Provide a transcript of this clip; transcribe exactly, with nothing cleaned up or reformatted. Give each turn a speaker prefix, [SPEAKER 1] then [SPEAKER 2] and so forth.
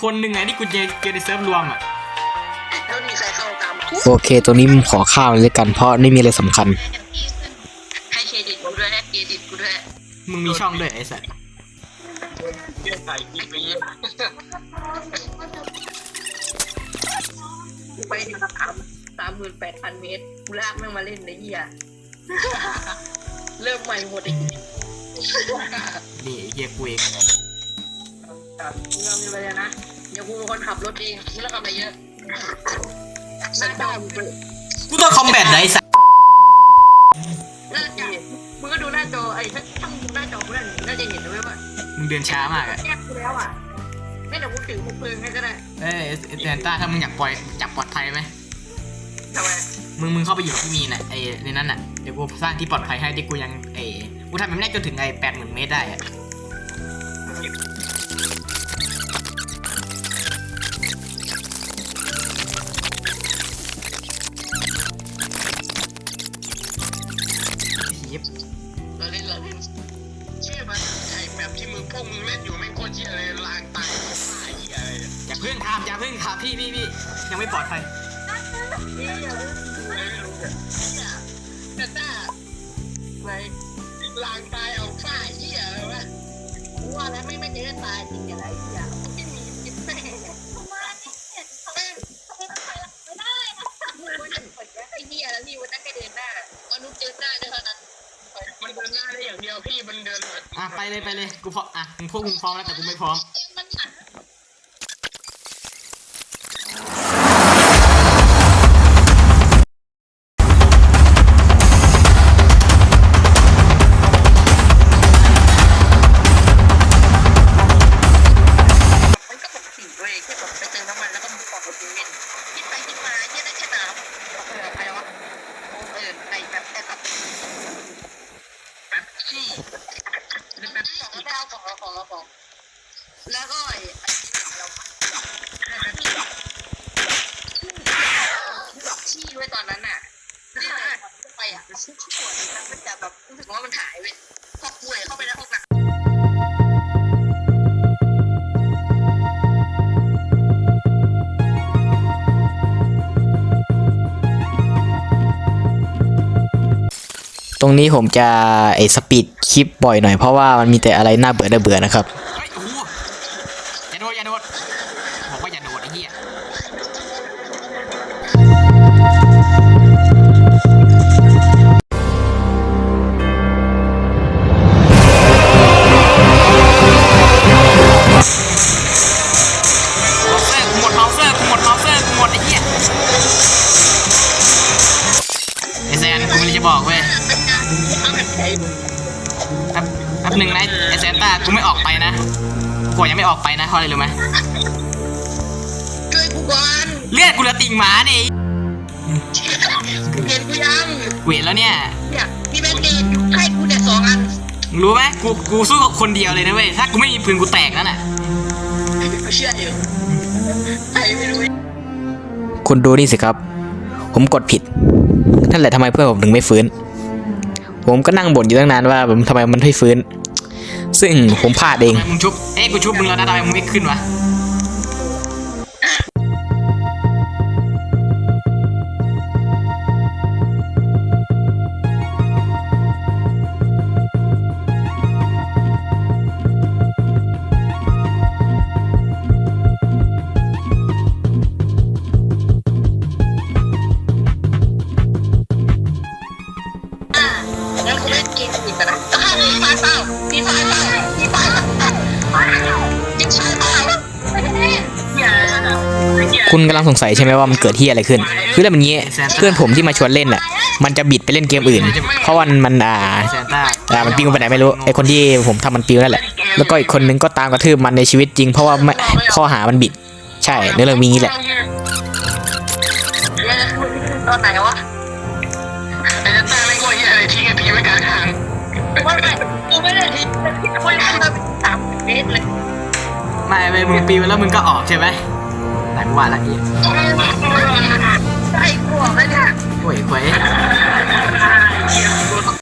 [SPEAKER 1] คนหนึ่งไงที่กูเจอเจอในเซิร์ฟรวมอ่ะ
[SPEAKER 2] แล้วมีใครเข้าตาม
[SPEAKER 3] โอเคตัวนี้มึงขอข้าวเลยกันเพราะไม่มีอะไรสำคัญ
[SPEAKER 2] ให้เครดิตกูด้วยให้เครดิตกูด้วย
[SPEAKER 1] มึงมีช่องด้วยไอ้สัส
[SPEAKER 2] เรื่องถ่ายคลิปไปเยอะไปถึงสามสามหมื่นแปดพันเมตรกูลากแม่งมาเล่นในเหี้ยเริ่มใหม่หมดอีก
[SPEAKER 1] นี่เฮียกูเอง
[SPEAKER 2] เรามีอะไรนะเดี๋ยวกูเป็นคนขับรถเองกูเล่นอะไรเยอะหน้าจอ
[SPEAKER 1] กูต้องคอมแบทไหนสัส
[SPEAKER 2] หน้าจอมึงก็ดูหน้าจอไอ้ถ้าถ้ามึงดูหน้าจอกูได้น่าจะเห็นเลยว่า
[SPEAKER 1] มึงเดินช้ามากอะ
[SPEAKER 2] แยกกูแล้วอ่ะไม่เดี๋ยวกูถือพวกปืนให้ก็ได้
[SPEAKER 1] เอ้ยแอนต้าถ้ามึงอยากปล่อยจับปลอดภัยไหม
[SPEAKER 2] ทำไม
[SPEAKER 1] มึงมึงเข้าไปอยู่กับพี่มีน่ะไอ้ในนั้นน่ะเดี๋ยวกูสร้างที่ปลอดภัยให้ที่กูยังไอ้กูทำมันได้จนถึงไอ้แปดหมื่นเมตรได้อะ
[SPEAKER 2] เราเล่นเราเล่นเชื่อมันไอ้แบบที่มึงพวกมึงเล่นอยู่ไม่โคตรเชี่ยเลยลางตายตายอะไร
[SPEAKER 1] อย่าเพิ่งทำอย่าเพิ่งทำพี่พี่พี่ยังไม่ปลอดภัย
[SPEAKER 2] นี่อย่าไม่รู้เนี่ยแต่ถ้าไงลางตายเอาฝ้าเหี้ยอะไรวะกูว่าแล้วไม่ไม่เจอตายจริงอะไรเหี้ยไม่มีจิตแม่ผมว่านี่เนี่ยทำไมทำไมทำไมไม่ได้นะมันจะเปิดไอ้เหี้ยแล้วพี่วันนั้นแค่เดินหน้าวันนู้นเจอหน้าเท่านั้นมันเดินหน้าได้อย่างเดียวพี่มันเดิน
[SPEAKER 1] อ่ะไปเลยไปเลยกูพร้อมอ่ะมึงพวกมึงพร้อมแล้วแต่กูไม่พร้อม
[SPEAKER 2] มันก็ปกติด้วยแค่แบบไปเติมน้ำมันแล้วก็ปอกรถเล่นคิดไปคิดมาเยอะได้แค่น้ำเออใครวะเออไอ้แบบแค่แบบแบบขี้แบบสองดาวของเราของเราของแล้วก็ไอ้ไอ้ที่เราแบบขี้ไว้ตอนนั้นน่ะนี่แหละไปอ่ะมันชิ้นชิ้นหัวมันมันจะแบบรู้สึกว่ามันหายไปพอป่วยเข้าไปในห้องน้ำ
[SPEAKER 3] ตรงนี้ผมจะไอสปีดคลิปบ่อยหน่อยเพราะว่ามันมีแต่อะไรน่าเบื่อน่าเบื่อนะครับ
[SPEAKER 1] เฮ้ยโอ้โหอย่าโดดอย่าโดดบอกว่าอย่าโดดไอ้เหี้ยหมดเมาเซอร์กูหมดเมาเซอร์กูหมดไอ้เหี้ยไอ้แซนกูไม่ได้จะบอกเว้ยแป๊บแป๊บหนึ่งนะไอเซนต้ากูไม่ออกไปนะกูยังไม่ออกไปนะเพราะอะไรรู้ไหม
[SPEAKER 2] ช่วยกูก่อน
[SPEAKER 1] เลือดกูเหลือติ่งหมาเนี่ย
[SPEAKER 2] เห็นกูยัง
[SPEAKER 1] กูเห็นแล้วเนี่ย
[SPEAKER 2] เนี่ยมีแบนเดดอยู่ให้กูเนี่ยสองอัน
[SPEAKER 1] รู้ไหมกูกูสู้กับคนเดียวเลยนะเว้ยถ้ากูไม่มีปืนกูแตกนั่นแหละ
[SPEAKER 2] เชื่ออยู่ใครไม่รู้
[SPEAKER 3] คุณดูนี่สิครับผมกดผิดนั่นแหละทำไมเพื่อนผมถึงไม่ฟื้นผมก็นั่งบ่นอยู่ตั้งนานว่าผมทำไมมันไม่ฟื้นซึ่งผมพลาดเอง
[SPEAKER 1] มึงชุบเอ้กูชุบมึงแล้วนะทำไมมึงไม่ขึ้นวะ
[SPEAKER 2] แล้วกูเล่นเกมอีกนะมีไฟเปล่ามีไฟเปล่ามีไฟเปล่ายิงใช่เปล่า
[SPEAKER 3] คุณกำลังสงสัยใช่ไหมว่ามันเกิดที่อะไรขึ้นคือเรื่องมันงี้เพื่อนผมที่มาชวนเล่นอ่ะมันจะบิดไปเล่นเกมอื่นเพราะวันมันอ่าอ่ามันปิวไปไหนไม่รู้ไอคนที่ผมทำมันปิวนั่นแหละแล้วก็อีกคนนึงก็ตามกระทืบมันในชีวิตจริงเพราะว่าข้อหามันบิดใช่เรื่องมีงี้แหละ
[SPEAKER 2] ตอนไหนวะไอ้เจ้าตาไม่กลัวอะไรทิ้งไอ้พีไว้กลางทางว่าไงกูไม่ได้ทิ้งกูยังมาสามเมตรเลย
[SPEAKER 1] ไม่ไปมึงปีนแล้วมึงก็ออกใช่ไหมไหนกูว่าละเอียด
[SPEAKER 2] ใช่กูออกแล้วเนี่ย
[SPEAKER 1] โอ้ยเว้ย